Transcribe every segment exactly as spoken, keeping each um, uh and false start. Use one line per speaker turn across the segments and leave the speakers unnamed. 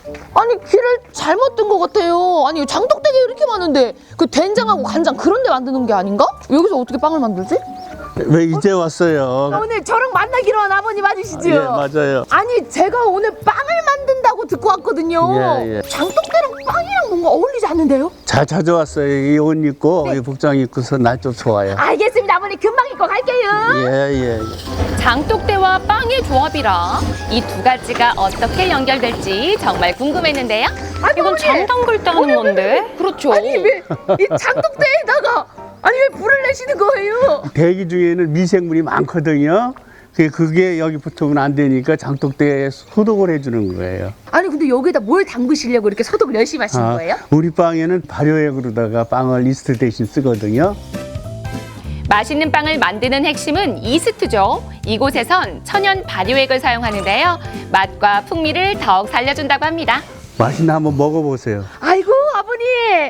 아니 길을 잘못 든 것 같아요. 아니 장독대게 이렇게 많은데 그 된장하고 간장 그런 데 만드는 게 아닌가? 여기서 어떻게 빵을 만들지?
왜 이제 왔어요?
오늘 저랑 만나기로 한 아버님 맞으시죠?
예, 맞아요.
아니 제가 오늘 빵을 만든다고 듣고 왔거든요.
예, 예.
장독대랑 빵이랑 뭔가 어울리지 않는데요?
잘 찾아왔어요. 이 옷 입고 이 복장 입고서 날 좀 좋아요.
알겠습니다 아버님 금방 입고 갈게요.
예, 예.
장독대와 빵의 조합이라 이 두 가지가 어떻게 연결될지 정말 궁금했는데요.
아니,
이건
어머니!
장 담글 때 하는 건데? 그렇죠.
아니 왜 이 장독대에다가 아니 왜 불을 내시는 거예요?
대기 중에는 미생물이 많거든요. 그게- 그게 여기 붙으면 안 되니까 장독대에 소독을 해주는 거예요.
아니 근데 여기다 뭘 담그시려고 이렇게 소독을 열심히 하시는
아,
거예요?
우리 빵에는 발효액으로다가 빵을 이스트 대신 쓰거든요.
맛있는 빵을 만드는 핵심은 이스트죠. 이곳에선 천연 발효액을 사용하는데요. 맛과 풍미를 더욱 살려준다고 합니다.
맛있나 한번 먹어보세요.
아이고 아버님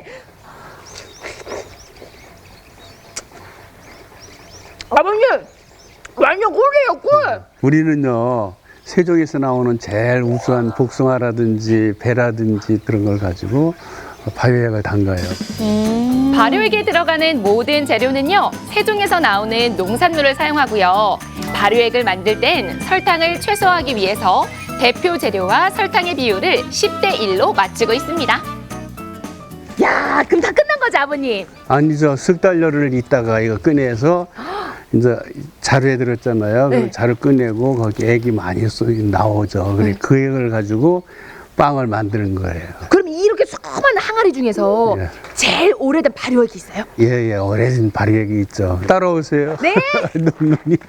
아버님 완전 꿀이에요 꿀.
우리는요 세종에서 나오는 제일 우수한 복숭아라든지 배라든지 그런 걸 가지고 발효액을 담가요.
발효액에 들어가는 모든 재료는요, 세종에서 나오는 농산물을 사용하고요. 발효액을 만들 땐 설탕을 최소화하기 위해서 대표 재료와 설탕의 비율을 십 대 일로 맞추고 있습니다.
야 그럼 다 끝난 거죠 아버님?
아니죠. 석 달여를 있다가 이거 꺼내서 이제 자루에 들었잖아요.
네.
그 자루 꺼내고 거기 액이 많이 쏘 나오죠. 그래 그 액을 가지고 빵을 만드는 거예요.
그럼 이렇게 수많은 항아리 중에서
예.
제일 오래된 발효액이 있어요?
예예 오래된 발효액이 있죠. 따라오세요.
네.
눈이.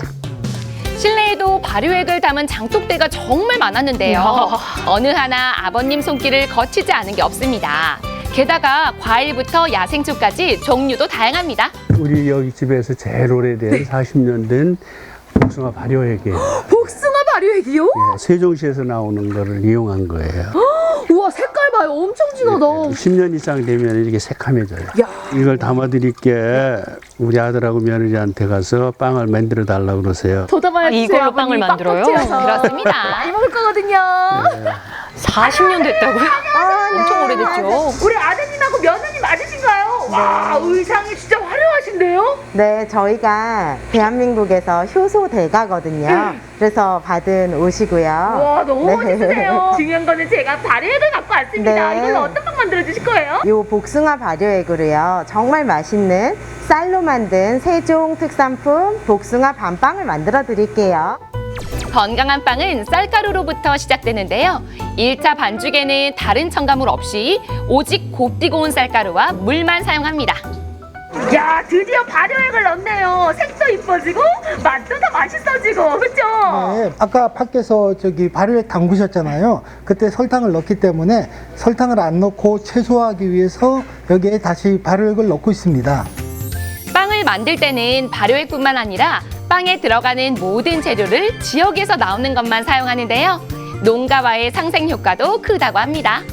실내에도 발효액을 담은 장독대가 정말 많았는데요. 어느 하나 아버님 손길을 거치지 않은 게 없습니다. 게다가 과일부터 야생초까지 종류도 다양합니다.
우리 여기 집에서 제일 오래된 사십 년 된 복숭아 발효액이에요.
복숭아 발효액이요?
예, 세종시에서 나오는 거를 이용한 거예요.
우와 색깔 봐요 엄청 진하다.
십 년 이상 되면 이렇게 새카매져요.
야.
이걸 담아드릴게 우리 아들하고 며느리한테 가서 빵을 만들어 달라고 그러세요.
더 담아야
아,
주세요
이걸로
아버님.
빵을 만들어요?
빡빡 튀어서.
그렇습니다.
많이 먹을 거거든요.
사십 년 됐다고요? 엄청 오래됐죠.
우리 아드님하고 며느님 맞으신가요? 와 의상이 진짜 화려하신데요?
네, 저희가 대한민국에서 효소 대가거든요. 그래서 받은 옷이고요.
와 너무
네.
멋있으세요. 중요한 거는 제가 발효액을 갖고 왔습니다.
네.
이걸로 어떤 빵 만들어 주실 거예요?
요 복숭아 발효액으로요. 정말 맛있는 쌀로 만든 세종 특산품 복숭아 밤빵을 만들어 드릴게요.
건강한 빵은 쌀가루로부터 시작되는데요. 일 차 반죽에는 다른 첨가물 없이 오직 곱디고 온 쌀가루와 물만 사용합니다.
야 드디어 발효액을 넣네요. 색도 이뻐지고 맛도 더 맛있어지고 그렇죠?
네, 아까 밖에서 저기 발효액 담그셨잖아요. 그때 설탕을 넣기 때문에 설탕을 안 넣고 최소화하기 위해서 여기에 다시 발효액을 넣고 있습니다.
빵을 만들 때는 발효액뿐만 아니라 빵에 들어가는 모든 재료를 지역에서 나오는 것만 사용하는데요. 농가와의 상생 효과도 크다고 합니다.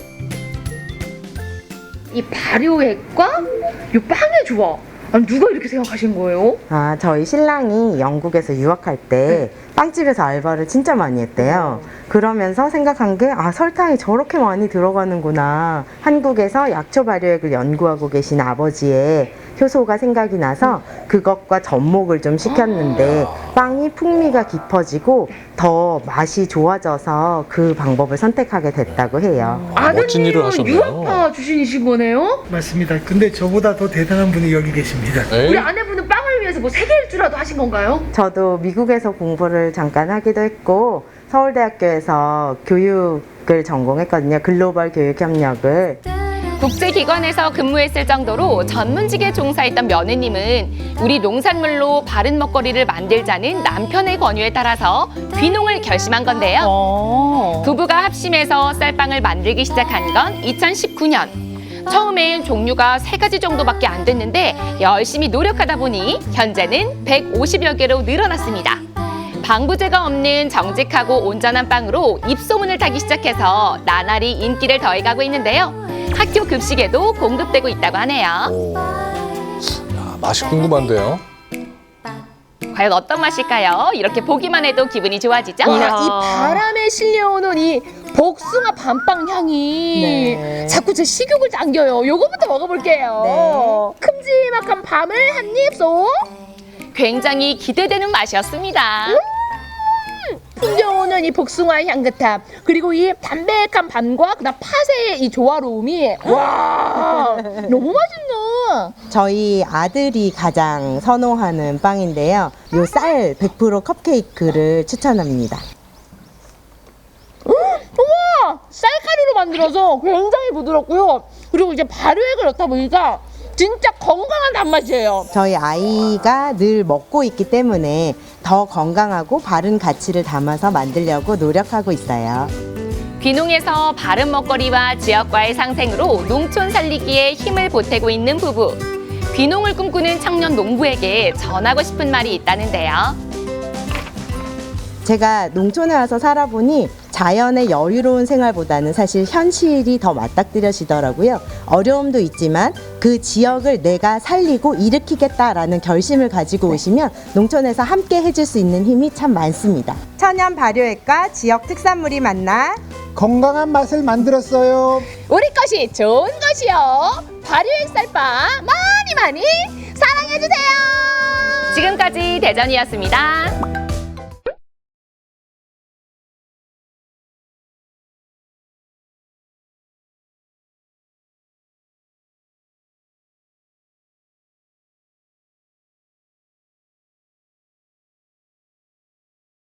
이 발효액과 이 빵의 조합. 아니 누가 이렇게 생각하신 거예요?
아, 저희 신랑이 영국에서 유학할 때 빵집에서 알바를 진짜 많이 했대요. 그러면서 생각한 게, 아, 설탕이 저렇게 많이 들어가는구나. 한국에서 약초 발효액을 연구하고 계신 아버지의 효소가 생각이 나서 그것과 접목을 좀 시켰는데 빵이 풍미가 깊어지고 더 맛이 좋아져서 그 방법을 선택하게 됐다고 해요.
멋진 일을
아드님은
하셨네요.
유학파 출신이신 거네요?
맞습니다. 근데 저보다 더 대단한 분이 여기 계십니다.
에이?
우리 아내분은 빵을 위해서 뭐 세계 일주라도 하신 건가요?
저도 미국에서 공부를 잠깐 하기도 했고 서울대학교에서 교육을 전공했거든요. 글로벌 교육 협력을.
국제기관에서 근무했을 정도로 전문직에 종사했던 며느님은 우리 농산물로 바른 먹거리를 만들자는 남편의 권유에 따라서 귀농을 결심한 건데요. 부부가 합심해서 쌀빵을 만들기 시작한 건 이천십구 년. 처음엔 종류가 세 가지 정도밖에 안 됐는데 열심히 노력하다 보니 현재는 백오십여 개로 늘어났습니다. 방부제가 없는 정직하고 온전한 빵으로 입소문을 타기 시작해서 나날이 인기를 더해가고 있는데요. 학교 급식에도 공급되고 있다고 하네요.
오, 야, 맛이 궁금한데요.
과연 어떤 맛일까요? 이렇게 보기만 해도 기분이 좋아지죠?
와, 이 바람에 실려오는 이 복숭아 밤빵 향이
네.
자꾸 제 식욕을 당겨요. 요거부터 먹어볼게요. 큼지막한 밤을 한 입 쏙.
굉장히 기대되는 맛이었습니다.
풍겨오는 이 복숭아의 향긋함, 그리고 이 담백한 밤과 그다음 팥의 이 조화로움이 와 너무 맛있네.
저희 아들이 가장 선호하는 빵인데요. 요 쌀 백 퍼센트 컵케이크를 추천합니다.
우와, 쌀가루로 만들어서 굉장히 부드럽고요. 그리고 이제 발효액을 넣다 보니까 진짜 건강한 단맛이에요.
저희 아이가 늘 먹고 있기 때문에 더 건강하고 바른 가치를 담아서 만들려고 노력하고 있어요.
귀농에서 바른 먹거리와 지역과의 상생으로 농촌 살리기에 힘을 보태고 있는 부부. 귀농을 꿈꾸는 청년 농부에게 전하고 싶은 말이 있다는데요.
제가 농촌에 와서 살아보니 자연의 여유로운 생활보다는 사실 현실이 더 맞닥뜨려지더라고요. 어려움도 있지만 그 지역을 내가 살리고 일으키겠다라는 결심을 가지고 오시면 농촌에서 함께 해줄 수 있는 힘이 참 많습니다. 천연 발효액과 지역 특산물이 만나
건강한 맛을 만들었어요.
우리 것이 좋은 것이요. 발효액 쌀빵 많이 많이 사랑해주세요.
지금까지 대전이었습니다.